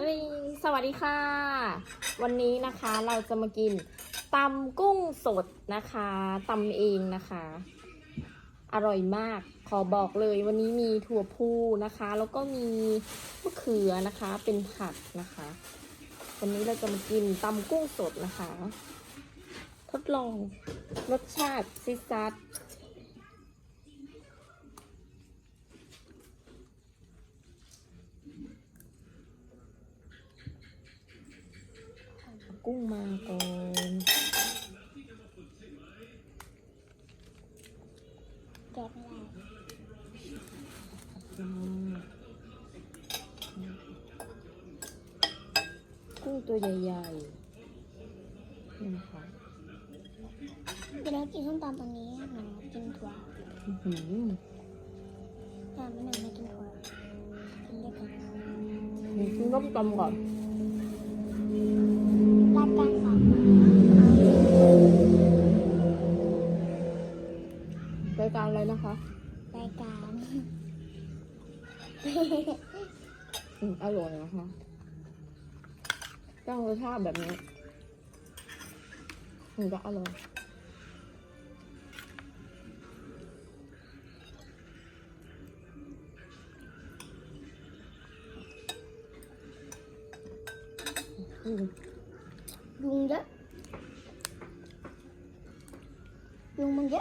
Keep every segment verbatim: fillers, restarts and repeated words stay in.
สวัสดีค่ะวันนี้นะคะเราจะมากินตำกุ้งสดนะคะตำเองนะคะอร่อยมากขอบอกเลยวันนี้มีถั่วพูนะคะแล้วก็มีมะเขือนะคะเป็นผักนะคะวันนี้เราจะมากินตำกุ้งสดนะคะทดลองรสชาติซิซัดกุ้งมาก่อนแกะไม่ได้กุ้งตัวใหญ่ๆนี่นะคะเดี๋ยวเรากินส้มตำตรงนี้หนูกินถั่วอื้อหือแต่ไม่หนูไม่กินถั่วกินด้วยกันกินต้มตำก่อนรายการสามรายการอะไรนะคะรายการอืมอร่อยนะคะตั้งรสชาติแบบนี้ถึงจะอร่อยอืมยุงเยอะยุงมันเยอะ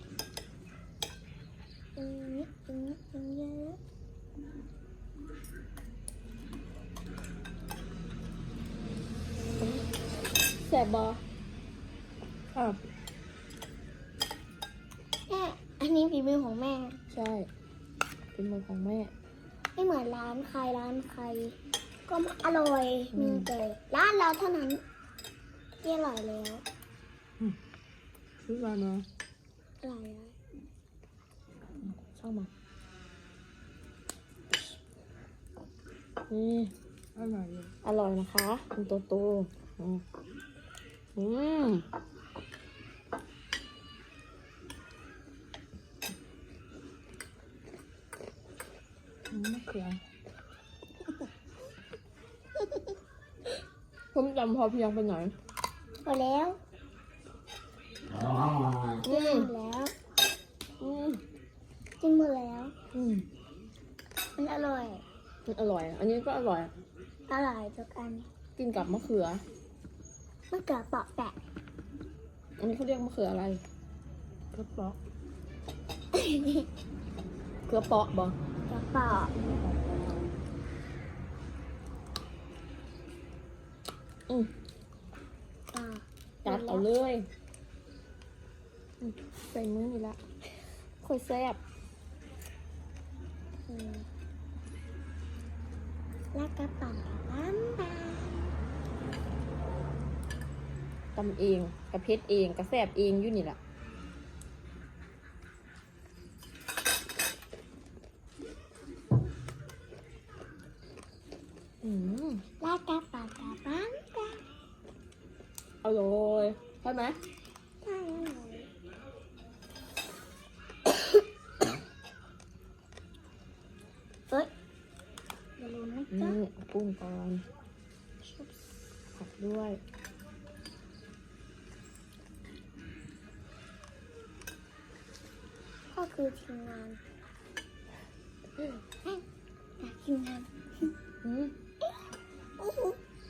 ยุงเยอะยุงยุงเยอะแสบบออ่ะแม่อันนี้ฝีมือของแม่ใช่เป็นมือของแม่ไม่เหมือนร้านใครร้านใคร ก็อร่อยอืมมีแต่ร้านเราเท่านั้นที่อร่อยแล้วซื้อมาเนาะอร่อยแล้วชอบมานี่อร่อยอร่อยนะคะคุณโตโตอืมอืมมะเขือผมจำพอเพียงไปหน่อยพอแล้วอืกินมหมดแล้วอืมกินหมดแล้วอืมมันอร่อยมันอร่อย อันนี้ก็อร่อยอร่อยทุกอันกินกับมะเขือมะเขือเปราะแปะอันนี้เขาเรียกมะเขืออะไรเขือเปาะเขือเปาะบอกระเปราะอืมอ่าจัดเอาเลยอืมใส่มือนี่ละค่อยแซ่บอืมแล้วกระเป๋าน้ำตาลทำเองกระเพชรเองกระแซ่บเองอยู่นี่แหละอืมแล้วกระเป๋ากับน้ำตาลอร่อยใช่ไหมใช่เลยเอ้ยอย่าลืมนะอืจ๊ะมเอากุ้งก่อนผักด้วยก็คือทีมงานเฮ้ยทีมงานอืมอู้หู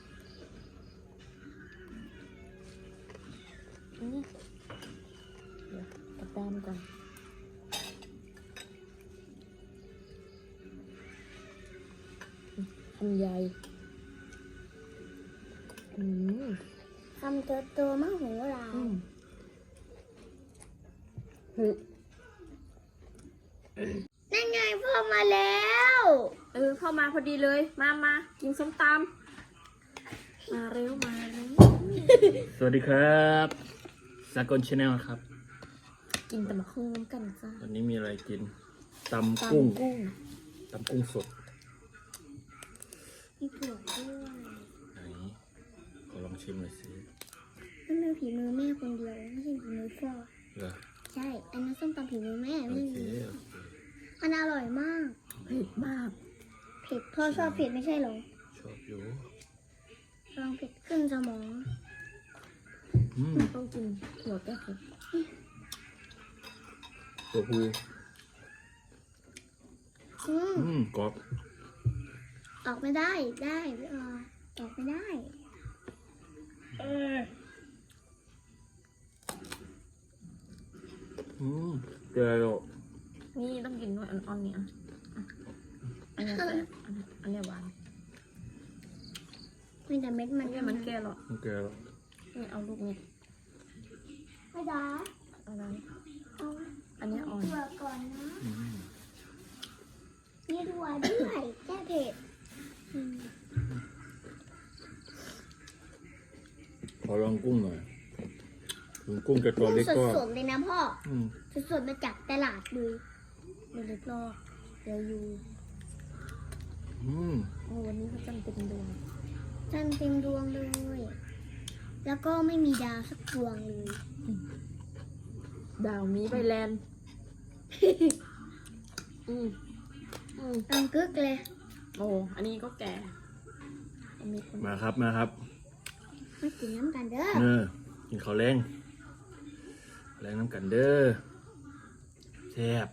อืมเดี๋ยวกระด้ามก่อนอืมทำใหญ่อืมทำตัวตัวมะหูลาอืยมเฮ้ยนั่นไงพ่อมาแล้วเออเข้ามาพอดีเลย มามากินส้มตำมาเร็วมาเร็วสวัสดีครับสากลชาแนลครับกินแต่มะเขือน้ำกันจ้าวันนี้มีอะไรกินตำกุ้งตำกุ้งตำกุ้งสดมีถั่วด้วยไหนขอลองชิมหน่อยสินั่นเป็นฝีมือแม่คนเดียวไม่ใช่ฝีมือพ่อเหรอใช่อันนั้นส้มตำฝีมือแม่โอไม่เคมีโอเคมันอร่อยมากเผ็ดมากเผ็ดพ่อชอบเผ็ดไม่ใช่เหรอชชอบอยู่ลองเผ็ดขึ้นสมองอืมต้องกินหัวแก้เผ็ดตัวผู้อืมอืมกรอบออกไม่ได้ได้พี่ออออกไม่ได้อืมเจอแล้วนี่ต้องกินด้วยอ่อนๆเนี่ยอ่ะอันนี้แซ่บอันนี้อันนี้หวานมีแต่เม็ดมัอันนนี้มันแก่หรอมันแกแล้วนี่เอาลูกนี้ไม่ได้เอาอะไรเอาอันนี้อ่อนถั่วก่อนนะอืมมีถั่วด้วยแก้เผ็ดอืมขอลองกุ้งหน่อยถึงกุ้งจะตัวกุ้งเล็กก็สดๆเลยนะพ่ออืมสดๆมาจากตลาดเลยเล็กๆรอบเดี๋ยวอยู่อืมโอ้วันนี้เขาจำเป็นดวงจันเต็มดวงเลย แล้วก็ไม่มีดาวสักดวงเลยดาวมีใบแลนด์ อืมอืมตังกึกเลยโอ้อันนี้ก็แก่อันนี้คนมาครับมาครับมากินน้ำกันเด้อเออกินข้าวแรงแรงน้ำกันเด้อแซ่บ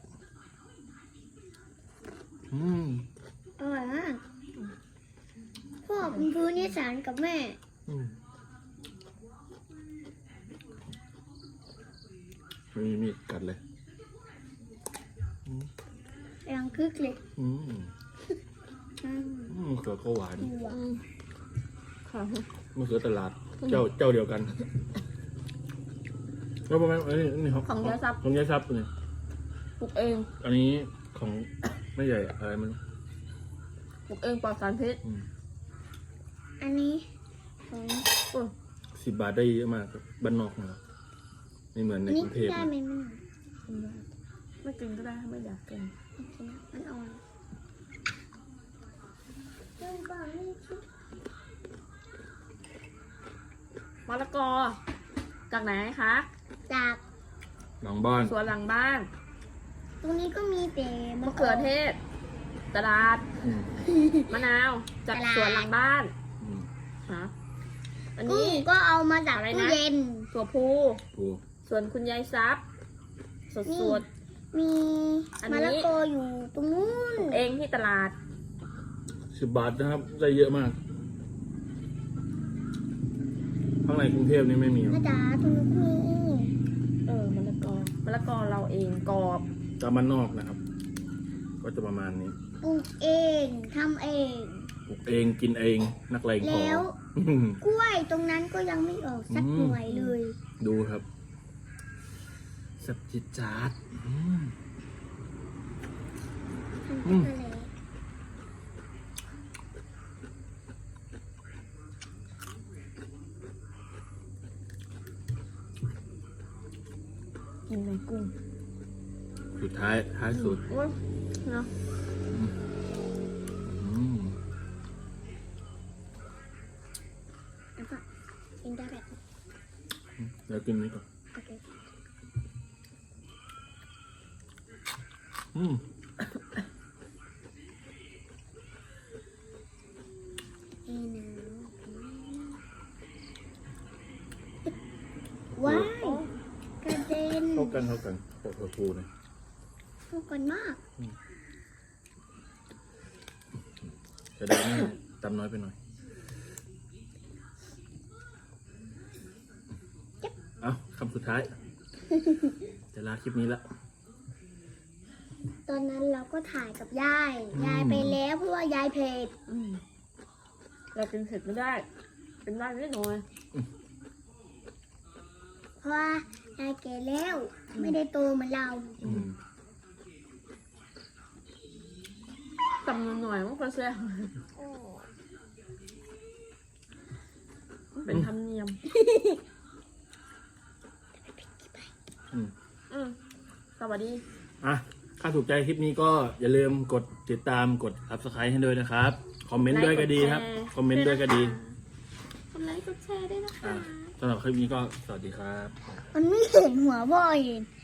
อืมอร่อยมากพ่อคุณครูนิสานกับแม่อืมไม่มีมีดกัดเลยตังกึกเลยอืมอืมอืมมะเขือก็หวานถั่วอืมค่ะมะเขือตลาด เจ้าเจ้าเดียวกันแล้วประมาณอันนี้นี่ครับของยายซับของยายซับเนี่ยปลูกเองอันนี้ของไม่ใหญ่อะไรมันปลูกเองปลอดสารพิษอืมอันนี้ของโอ้ยสิบบาทได้เยอะมากครับบ้านนอกนะครับไม่เหมือนในอันกนี้รุงเทพได้นะไหมแม่กินได้ไม่กินก็ได้ถ้าไม่อยากกินโอเคนะมันอ่อนเริ่มก่อนนี่ชิมะละกอ จากไหนคะจากหลังบ้านสวนหลังบ้านตรงนี้ก็มีแต่มะเขือเทศ ตลาดอืมมะนาว จากสวนหลังบ้านอืมฮะอันกุ้นี้งก็เอามาจากอะไรตู้นะเย็นถั่วพูปูส่วนคุณยายซับสดนี่สดมีอันนี้มะละกออยู่ตรงนู้นเองที่ตลาดสิบบาทนะครับ ได้เยอะมาก ข้างในกรุงเทพนี่ไม่มีหรอกมาจ๋าตรงนู้นก็มีเออมะละกอมะละกอเราเองกรอบตามบ้านนอกนะครับ ก็จะประมาณนี้ปลูกเองทำเองปลูกเองกินเองนักเลงพอแล้วอืมกล้วยตรงนั้นก็ยังไม่ออกสักอืมหน่วยเลยดูครับสับจิตจาดอืม อืมทำอะไรกินในกุ้งสุดท้ายท้ายสุดโอ้ยเนาะอืมแล้วก็กินได้แบบเดี๋ยวกินนี้ก่อนโอเคอืมนี่นะว้ายกระเด็นเท่ากันเท่ากันปอกกับปูเนี่ยเข้ากันมากจะได้ไม่ตำน้อยไปหน่อยเอาคำสุดท้าย จะลาคลิปนี้ละตอนนั้นเราก็ถ่ายกับยายอืมยายไปแล้วเพราะว่ายายเผ็ดอืมเรากินเผ็ดไม่ได้เป็นได้นิดหน่อยเพราะว่ายายแก่แล้ว ไม่ได้โตเหมือนเราอืมตำหน่อยมันก็แซ่บมันเป็นธรรมเนียมอืมอืมสวัสดีอ่ะถ้าถูกใจคลิปนี้ก็อย่าลืมกดติดตามกด subscribe ให้ด้วยนะครับ คอมเมนต์ด้วยก็ดีครับ คอมเมนต์ด้วยก็ดีกดไลค์กดแชร์ด้วยนะคะอ่ะสำหรับคลิปนี้ก็สวัสดีครับมันไม่เห็นหัวบ่อย